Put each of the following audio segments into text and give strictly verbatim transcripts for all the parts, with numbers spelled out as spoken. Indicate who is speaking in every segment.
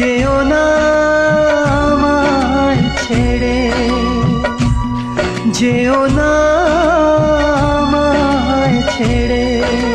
Speaker 1: যেও না আমায় ছেড়ে, যেও না আমায় ছেড়ে।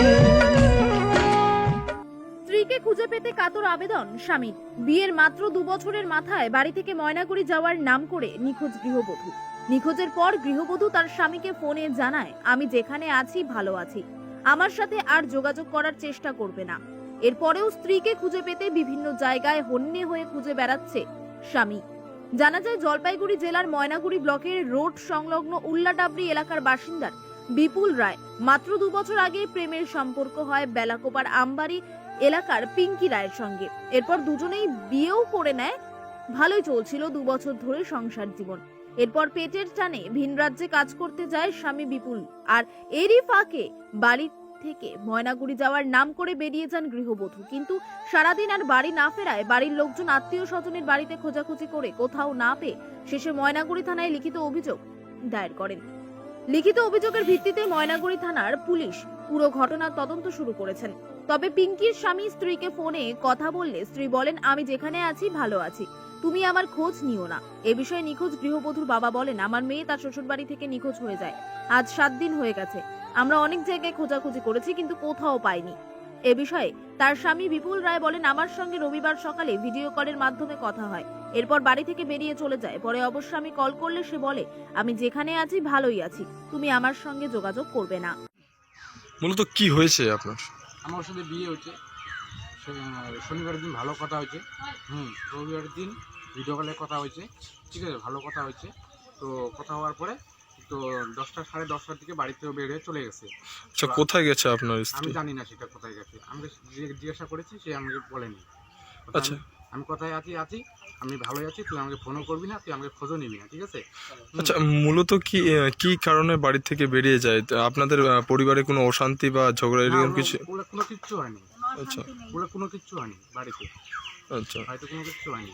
Speaker 2: স্ত্রীকে খুঁজে পেতে কাতর আবেদন স্বামীর। বিয়ের মাত্র দু বছরের মাথায় বাড়ি থেকে ময়নাগুড়ি যাওয়ার নাম করে নিখোঁজ গৃহবধূ। নিখোঁজের পর গৃহবধূ তার স্বামীকে ফোনে জানায়, আমি যেখানে আছি ভালো আছি, আমার সাথে আর যোগাযোগ করার চেষ্টা করবে না। এরপরেও স্ত্রীকে খুঁজে পেতে বিভিন্ন জায়গায় হন্যে হয়ে খুঁজে বেড়াচ্ছে স্বামী। জানা যায় জলপাইগুড়ি জেলার ময়নাগুড়ি ব্লকের রোড সংলগ্ন উল্লাডাবরি এলাকার বাসিন্দা বিপুল রায় মাত্র দু বছর আগে প্রেমের সম্পর্ক হয় বেলাকোপার আমবাড়ি এলাকার পিঙ্কি রায়ের সঙ্গে। এরপর দুজনেই বিয়েও করে নেয়। ভালোই চলছিল দু বছর ধরে সংসার জীবন। এরপর পেটের টানে ভিন রাজ্যে কাজ করতে যায় স্বামী বিপুল, আর এরই ফাঁকে বাড়ি থেকে ময়নাগুড়ি যাওয়ার নাম করে বেরিয়ে যান গৃহবধূ। কিন্তু সারাদিন আর বাড়ি না ফেরায় বাড়ির লোকজন আত্মীয় স্বজনের বাড়িতে খোঁজাখুঁজি করে কোথাও না পেয়ে শেষে ময়নাগুড়ি থানায় লিখিত অভিযোগ দায়ের করেন। লিখিত অভিযোগের ভিত্তিতে ময়নাগুড়ি থানার পুলিশ পুরো ঘটনার তদন্ত শুরু করেছেন। তবে পিঙ্কির স্বামী স্ত্রীকে ফোনে কথা বললে স্ত্রী বলেন, আমি যেখানে আছি ভালো আছি, তুমি আমার খোঁজ নিও না। এ বিষয়ে নিখোঁজ গৃহবধূর বাবা বলেন, আমার মেয়ে তার শ্বশুরবাড়ি থেকে নিখোঁজ হয়ে যায়, আজ সাত দিন হয়ে গেছে। আমরা অনেক জায়গায় খোঁজাখুঁজি করেছি কিন্তু কোথাও পাইনি। এ বিষয়ে তার স্বামী বিপুল রায় বলেন, আমার সঙ্গে রবিবার সকালে ভিডিও কলের মাধ্যমে কথা হয়, এরপর বাড়ি থেকে বেরিয়ে চলে যায়। পরে অবশ্য আমি কল করলে সে বলে, আমি যেখানে আছি ভালোই আছি, তুমি আমার সঙ্গে যোগাযোগ করবে না।
Speaker 3: মূলত কি হয়েছে আপনার?
Speaker 4: আমার সাথে বিয়ে হচ্ছে, শনিবারের দিন ভালো কথা হয়েছে, হুম রবিবারের দিন ভিডিও কলে কথা হয়েছে, ঠিক আছে, ভালো কথা হয়েছে। তো কথা হওয়ার পরে তো দশটা সাড়ে দশটার দিকে বাড়িতে বের হয়ে চলে গেছে।
Speaker 3: আচ্ছা, কোথায় গেছে আপনার
Speaker 4: আমি
Speaker 3: স্ত্রী?
Speaker 4: জানি না সেটা কোথায় গেছে, আমি জিজ্ঞাসা করেছি, সে আমাকে বলেনি।
Speaker 3: আচ্ছা,
Speaker 4: আমি কোথায় আছি আছি আমি ভালোই আছি, তুই আমাকে ফোনও করবি না, তুই আমাকে খোঁজও নিবি না, ঠিক আছে।
Speaker 3: আচ্ছা, মূলত কি কি কারণে বাড়ি থেকে বেরিয়ে যায়? তা আপনাদের আহ, পরিবারে কোনো অশান্তি বা ঝগড়া এরকম কিছু?
Speaker 4: বলে কোনো কিচ্ছু হয়নি,
Speaker 3: আচ্ছা
Speaker 4: বলে কোনো কিচ্ছু হয়নি বাড়িতে,
Speaker 3: আচ্ছা
Speaker 4: হয়তো কোনো কিচ্ছু হয়নি।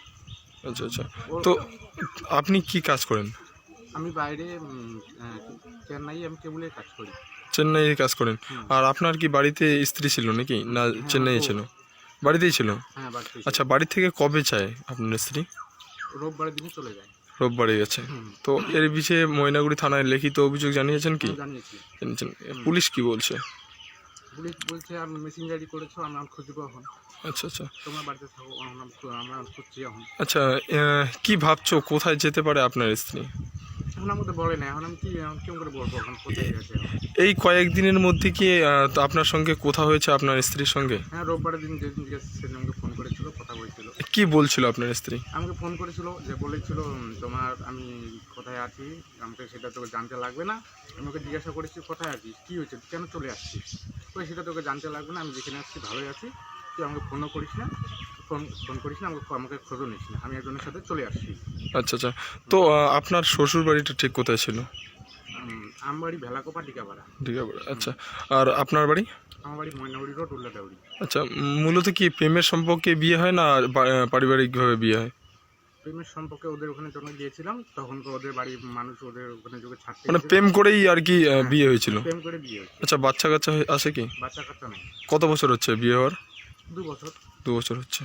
Speaker 3: আচ্ছা আচ্ছা তো আপনি কি কাজ করেন?
Speaker 4: আমি বাইরে উম, আহ, চেন্নাই আমি কেবলের কাজ করি।
Speaker 3: চেন্নাইয়ে কাজ করেন।
Speaker 4: হুম।
Speaker 3: আর আপনার কি বাড়িতে স্ত্রী ছিল নাকি, না
Speaker 4: হ্যাঁ,
Speaker 3: চেন্নাইয়ে
Speaker 4: ও-
Speaker 3: ছিল? বাড়িতেই ছিল।
Speaker 4: হ্যাঁ বাড়িতে।
Speaker 3: আচ্ছা, বাড়ি থেকে কবে চায় আপনার স্ত্রী?
Speaker 4: রোববারের দিনে চলে যায়।
Speaker 3: রোববারে গেছে।
Speaker 4: হুম।
Speaker 3: তো এর বিষয়ে ময়নাগুড়ি থানায় লিখিত অভিযোগ জানিয়েছেন কি?
Speaker 4: আমি জানিয়েছি।
Speaker 3: জানিয়েছেন। পুলিশ কি বলছে?
Speaker 4: পুলিশ বলছে আর মেসেঞ্জারি করেছো, আমরা খুঁজবো এখন,
Speaker 3: আচ্ছা আচ্ছা
Speaker 4: তোমরা বাড়িতে থাকো, আমরা আমরা খুঁজছি এখন।
Speaker 3: আচ্ছা, আহ, কি ভাবছো কোথায় যেতে পারে আপনার স্ত্রী?
Speaker 4: এখন আমাকে বলে না, এখন আমি কি এখন কেমন করে বলবো এখন কোথায় গেছে এখন?
Speaker 3: এই কয়েকদিনের মধ্যে কি আহ, তো আপনার সঙ্গে কথা হয়েছে আপনার স্ত্রীর সঙ্গে?
Speaker 4: হ্যাঁ রোববারের দিন যেদিন গেছে সেদিন আমাকে ফোন করেছিল, কথা বলছিল।
Speaker 3: কি বলছিল আপনার স্ত্রী?
Speaker 4: আমাকে ফোন করেছিল, যে বলেছিল উম, তোমার আমি কোথায় আছি, আমাকে সেটা তোকে জানতে লাগবে না। আমি ওকে জিজ্ঞাসা করেছি কোথায় আছিস, কী হয়েছে, কেন চলে আসছিস, তো সেটা তোকে জানতে লাগবে না, আমি যেখানে আসছি ভালোই আছি, তুই আমাকে ফোনও করিস না, ফোন ফোন করিস না, আমাকে আমাকে খোঁজও নিস না, আমি একজনের সাথে চলে আসছি।
Speaker 3: আচ্ছা আচ্ছা তো আহ, আপনার শ্বশুর বাড়িটা ঠিক কোথায় ছিল?
Speaker 4: উম, আমার বাড়ি ভেলাকোপা টিকাপাড়া।
Speaker 3: ঠিক আছে। আচ্ছা, আর আপনার বাড়ি?
Speaker 4: আমার বাড়ি ময়নাগুড়ি রোড উল্লাডাউরি।
Speaker 3: আচ্ছা, উম, মূলত কি প্রেমের সম্পর্কে বিয়ে হয় না আর বা- আহ, পারিবারিকভাবে বিয়ে হয়?
Speaker 4: প্রেমের সম্পর্কে ওদের ওখানে যখন গিয়েছিলাম তখন তো ওদের বাড়ির মানুষ ওদের ওখানে যোগে ছাড়তে
Speaker 3: মানে
Speaker 4: গেছিল।
Speaker 3: প্রেম করেই আর কি আহ, বিয়ে হয়েছিল?
Speaker 4: প্রেম করে বিয়ে হয়েছে।
Speaker 3: আচ্ছা, বাচ্চা কাচ্চা হয়ে- আছে কি?
Speaker 4: বাচ্চা কাচ্চা নেই।
Speaker 3: কত বছর হচ্ছে বিয়ে হওয়ার?
Speaker 4: দু বছর।
Speaker 3: দু বছর হচ্ছে।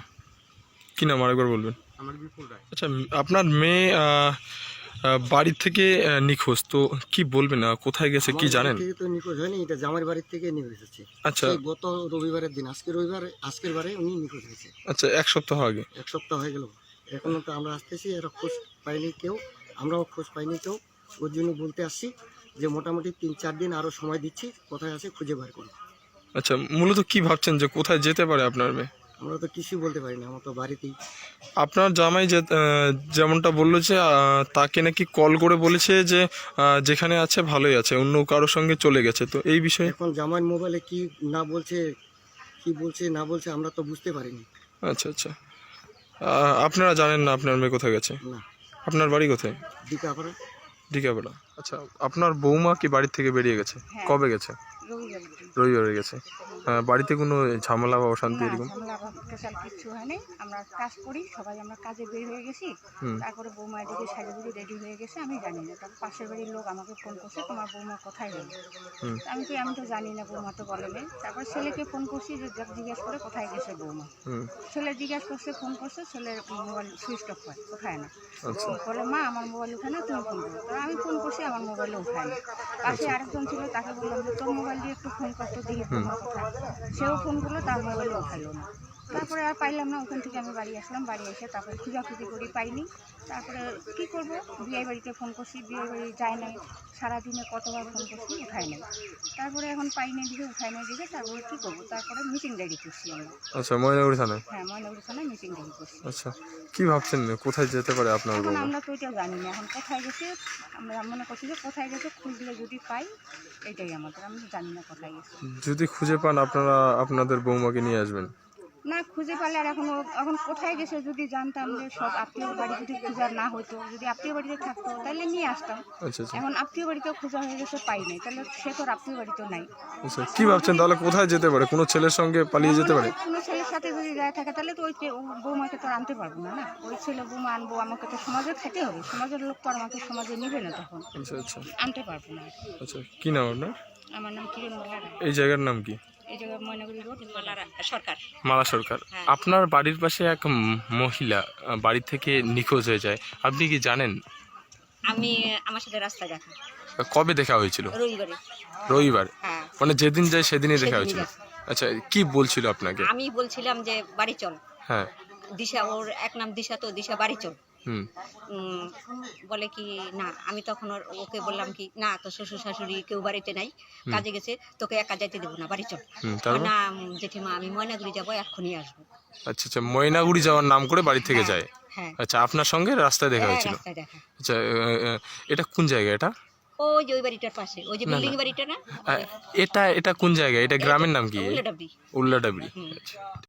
Speaker 3: কি নাম আরেকবার বলবেন?
Speaker 4: আমার বিপুল রায়।
Speaker 3: আচ্ছা, উম, আপনার মেয়ে আহ, আহ, বাড়ি থেকে আহ, নিখোঁজ, তো কি বলবেন, আহ, কোথায় গেছে কি জানেন?
Speaker 5: থেকে তো নিখোঁজ হয়নি, এটা জামাইয়ের বাড়ির থেকে নিখোঁজ হয়েছে।
Speaker 3: আচ্ছা
Speaker 5: সেই গত রবিবারের দিন, আজকে রবিবার, আজকের বারে উনি নিখোঁজ হয়েছে।
Speaker 3: আচ্ছা, এক সপ্তাহ আগে।
Speaker 5: এক সপ্তাহ হয়ে গেল, এখনো তো আমরা আসতেছি, এরা খোঁজ পাইনি কেউ, আমরাও খোঁজ পাইনি কেউ। ওর জন্য বলতে আসছি যে মোটামুটি তিন চার দিন আরও সময় দিচ্ছি, কোথায় আছে খুঁজে বার করুন।
Speaker 3: আচ্ছা, মূলত কি ভাবছেন যে কোথায় যেতে পারে আপনার মেয়ে?
Speaker 5: আমরা তো কিছুই বলতে পারি না, আমরা তো বাড়িতেই।
Speaker 3: আপনার জামাই যে আহ, যেমনটা বললো যে আহ, তাকে নাকি কল করে বলেছে যে আহ, যেখানে আছে ভালোই আছে, অন্য কারোর সঙ্গে চলে গেছে, তো এই বিষয়ে?
Speaker 5: এখন জামাইয়ের মোবাইলে কি না বলছে, কি বলছে না বলছে আমরা তো বুঝতে পারিনি।
Speaker 3: আচ্ছা আচ্ছা আহ, আপনারা জানেন না আপনার মেয়ে কোথায় গেছে?
Speaker 5: না,
Speaker 3: আপনার বাড়ি কোথায়?
Speaker 5: দিকা করে।
Speaker 3: ডিকাবেলা। আচ্ছা, আপনার বৌমা কি বাড়ির থেকে বেরিয়ে গেছে? কবে গেছে?
Speaker 6: রবিবার
Speaker 3: রবিবারে গেছে। আহ, বাড়িতে কোনো ঝামেলা বা অশান্তি
Speaker 6: না
Speaker 3: এরকম?
Speaker 6: ঝামেলা বা স্পেশাল কিচ্ছু হয়নি। আমরা কাজ করি সবাই, আমরা কাজে বের হয়ে গেছি।
Speaker 3: হুম
Speaker 6: তারপরে বৌমা এদিকে সাজুগুজি রেডি হয়ে গেছে, আমি জানি না। তারপর পাশের বাড়ির লোক আমাকে ফোন করছে, তোমার বৌমা কোথায় গেল?
Speaker 3: হুম
Speaker 6: আমি কি আমি তো জানি না, বৌমা তো বলেনি। তারপর ছেলেকে ফোন করছি যে যাক জিজ্ঞেস করে কোথায় গেছে বৌমা।
Speaker 3: হুম
Speaker 6: ছেলে জিজ্ঞেস করছে, ফোন করছে, ছেলের মোবাইল সুইচ অফ হয়, ওঠায় না।
Speaker 3: আচ্ছা
Speaker 6: বলে মা আমার মোবাইল উঠায় না, তুমি ফোন করো। তো আমি ফোন করছি, আমার মোবাইলে উঠায় না। পাশে আরেকজন ছিল, তাকে বললাম যে তোর মোবাইল দিয়ে একটু ফোন করতো, দেখি বৌমা কোথায়। সেও ফোন করলো, তার মোবাইলে উঠাইলো না। তারপরে আর পাইলাম না, ওখান থেকে আমি বাড়ি আসলাম। বাড়ি এসে তারপরে খোঁজাখুঁজি করি, পাইনি। তারপরে কী করবো, বিয়ে বাড়িতে ফোন করছি, বিয়ে বাড়ি যায় নাই। সারাদিনে কতবার ফোন করছি, উঠায় নাই। তারপরে এখন পাইনি দিকে, উঠায় নাই দিকে, তারপরে কী করবো, তারপরে মিটিং রেডি করছি আমরা।
Speaker 3: আচ্ছা ময়নাগুড়ি থানায়।
Speaker 6: হ্যাঁ, ময়নাগুড়ি থানায় মিটিং রেডি করছি।
Speaker 3: আচ্ছা কি ভাবছেন কোথায় যেতে পারে আপনার
Speaker 6: এখন
Speaker 3: বৌমা?
Speaker 6: আমরা তো এটা জানি না, এখন কোথায় গেছে। আমরা মনে করছি যে কোথায় গেছে, খুঁজলে যদি পাই, এটাই আমাদের। আমি জানি না কোথায় গেছে।
Speaker 3: যদি খুঁজে পান আপনারা আপনাদের বৌমাকে নিয়ে আসবেন?
Speaker 6: না খুঁজে পারলে আর এখন ও- এখন কোথায় গেছে যদি জানতাম, যে সব আত্মীয় বাড়ি যদি খোঁজার না হতো, যদি আত্মীয় বাড়িতে থাকতো তাহলে নিয়ে আসতাম।
Speaker 3: আচ্ছা আচ্ছা
Speaker 6: এখন আত্মীয় বাড়িতেও খোঁজা হয়ে গেছে, পাই নাই, তাহলে সে তো আর আত্মীয় বাড়িতেও নাই।
Speaker 3: আচ্ছা কি ভাবছেন তাহলে কোথায় যেতে পারে? কোনো ছেলের সঙ্গে পালিয়ে যেতে পারে?
Speaker 6: কোনো ছেলের সাথে যদি যায় থাকে, তাহলে তো ওই কে- ও বৌমাকে তো আর আনতে পারবো না। না ওই ছেলে বৌমা আনবো, আমাকে তো সমাজে খেতে হবে। সমাজের লোক তো আর আমাকে সমাজে নেবে না, তখন
Speaker 3: আচ্ছা আচ্ছা
Speaker 6: আনতে পারবো না।
Speaker 3: আচ্ছা কি নাম আপনার?
Speaker 6: আমার নাম কিরণ মালা রায়।
Speaker 3: এই জায়গার নাম কি?
Speaker 6: এই জায়গায় ময়নাগুড়ি রোড, মালা রায় সরকার।
Speaker 3: মালা সরকার।
Speaker 6: হ্যাঁ।
Speaker 3: আপনার বাড়ির পাশে এক উম, মহিলা আহ, বাড়ি থেকে নিখোঁজ হয়ে যায়, আপনি কি জানেন?
Speaker 6: আমি আমার সাথে রাস্তায় দেখা,
Speaker 3: কবে দেখা হয়েছিল?
Speaker 6: রবিবারে।
Speaker 3: রবিবার?
Speaker 6: হ্যাঁ,
Speaker 3: মানে যেদিন যায় সেদিনই দেখা
Speaker 6: সেদিনই
Speaker 3: হয়েছিল?
Speaker 6: দেখা।
Speaker 3: আচ্ছা কি বলছিল আপনাকে?
Speaker 6: আমি বলছিলাম যে বাড়ি চল,
Speaker 3: হ্যাঁ
Speaker 6: দিশা, ওর এক নাম দিশা, তো দিশা বাড়ি চল।
Speaker 3: হুম
Speaker 6: উম, বলে কি না, আমি তখন ওর- ওকে বললাম কি না, তো শ্বশুর শাশুড়ি কেউ বাড়িতে নাই, কাজে গেছে, তোকে একা যাইতে দেবো না, বাড়ি চল।
Speaker 3: হুম
Speaker 6: বলে,
Speaker 3: তারপর?
Speaker 6: না উম, জেঠিমা আমি ময়নাগুড়ি যাবো, এক্ষুনি আসবো।
Speaker 3: আচ্ছা আচ্ছা ময়নাগুড়ি যাওয়ার নাম করে বাড়ি থেকে
Speaker 6: হ্যাঁ,
Speaker 3: যায়?
Speaker 6: হ্যাঁ,
Speaker 3: আচ্ছা আপনার সঙ্গে রাস্তায় দেখা
Speaker 6: হ্যাঁ,
Speaker 3: হয়েছিল?
Speaker 6: রাস্তায় দেখা।
Speaker 3: আচ্ছা আহ, আহ, এটা কোন জায়গা এটা?
Speaker 6: ওই যে ওই বাড়িটার পাশে, ওই যে
Speaker 3: না, না।
Speaker 6: বিল্ডিং বাড়িটা না,
Speaker 3: আহ, এটা এটা কোন জায়গা? এটা গ্রামের নাম কি?
Speaker 6: উল্লাডাবড়ি।
Speaker 3: উল্লাডাবড়ি।
Speaker 6: হুম।
Speaker 3: আচ্ছা